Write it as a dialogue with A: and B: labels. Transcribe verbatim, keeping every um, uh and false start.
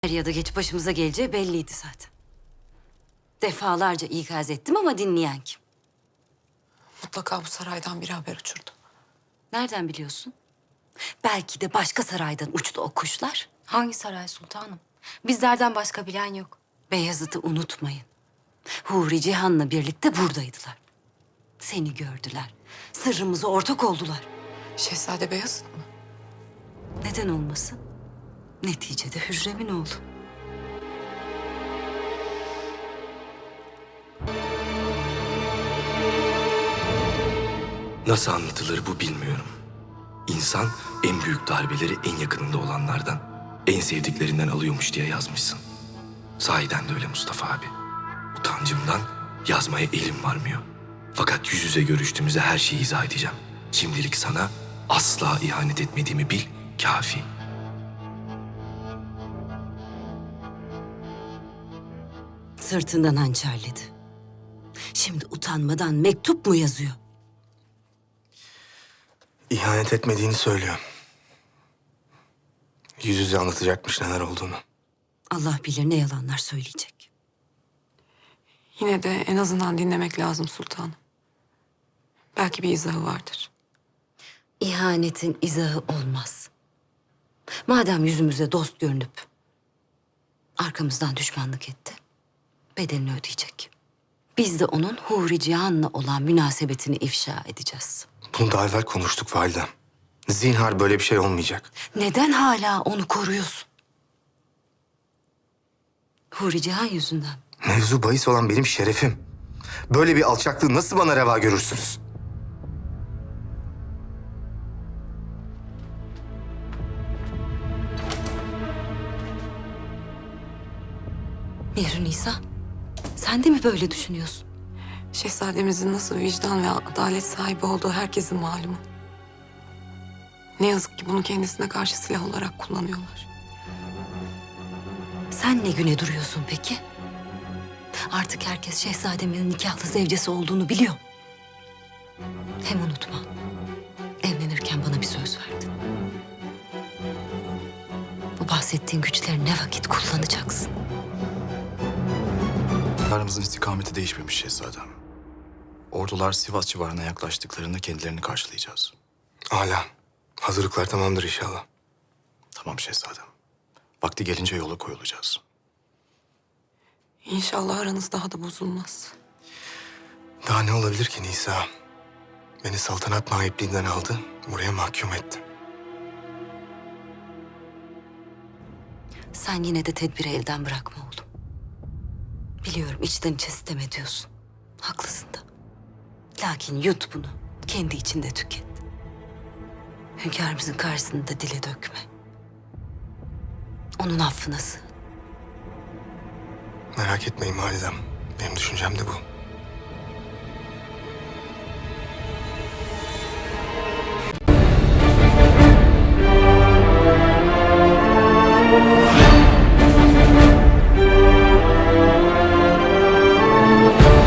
A: Er ya da geç başımıza geleceği belliydi zaten. Defalarca ikaz ettim ama dinleyen kim?
B: Mutlaka bu saraydan biri haber uçurdu.
A: Nereden biliyorsun? Belki de başka saraydan uçtu o kuşlar.
C: Hangi saray sultanım? Bizlerden başka bilen yok.
A: Beyazıt'ı unutmayın. Huri Cihan'la birlikte buradaydılar. Seni gördüler. Sırrımıza ortak oldular.
B: Şehzade Beyazıt mı?
A: Neden olmasın? Neticede Hürrem'in oğlu.
D: Nasıl anlatılır bu bilmiyorum. İnsan en büyük darbeleri en yakınında olanlardan, en sevdiklerinden alıyormuş diye yazmışsın. Sahiden de öyle Mustafa abi. Utancımdan yazmaya elim varmıyor. Fakat yüz yüze görüştüğümüzde her şeyi izah edeceğim. Şimdilik sana asla ihanet etmediğimi bil, kafi.
A: Sırtından hançerledi. Şimdi utanmadan mektup mu yazıyor?
E: İhanet etmediğini söylüyor. Yüz yüze anlatacakmış neler olduğunu.
A: Allah bilir ne yalanlar söyleyecek.
B: Yine de en azından dinlemek lazım sultanım. Belki bir izahı vardır.
A: İhanetin izahı olmaz. Madem yüzümüze dost görünüp arkamızdan düşmanlık etti, bedelini ödeyecek. Biz de onun Huri Cihan'la olan münasebetini ifşa edeceğiz.
E: Bunu daha evvel konuştuk validem. Zinhar böyle bir şey olmayacak.
A: Neden hala onu koruyorsun? Huri Cihan yüzünden.
E: Mevzu bahis olan benim şerefim. Böyle bir alçaklığı nasıl bana reva görürsünüz?
A: Mihri Nisa, sen de mi böyle düşünüyorsun?
B: Şehzademizin nasıl vicdan ve adalet sahibi olduğu herkesin malumu. Ne yazık ki bunu kendisine karşı silah olarak kullanıyorlar.
A: Sen ne güne duruyorsun peki? Artık herkes şehzademin nikahlı zevcesi olduğunu biliyor. Hem unutma, evlenirken bana bir söz verdin. Bu bahsettiğin güçleri ne vakit kullanacaksın?
F: Aramızın istikameti değişmemiş şehzadem. Ordular Sivas civarına yaklaştıklarında kendilerini karşılayacağız.
E: Hala. Hazırlıklar tamamdır inşallah.
F: Tamam şehzadem. Vakti gelince yola koyulacağız.
B: İnşallah aranız daha da bozulmaz.
E: Daha ne olabilir ki Nisa? Beni saltanat nahipliğinden aldı, buraya mahkum etti.
A: Sen yine de tedbiri elden bırakma oğlum. Biliyorum içten içe sitem ediyorsun. Haklısın da. Lakin yut bunu. Kendi içinde tüket. Hünkârımızın karşısında dile dökme. Onun affına sığın.
E: Merak etmeyin validem. Benim düşüncem de bu.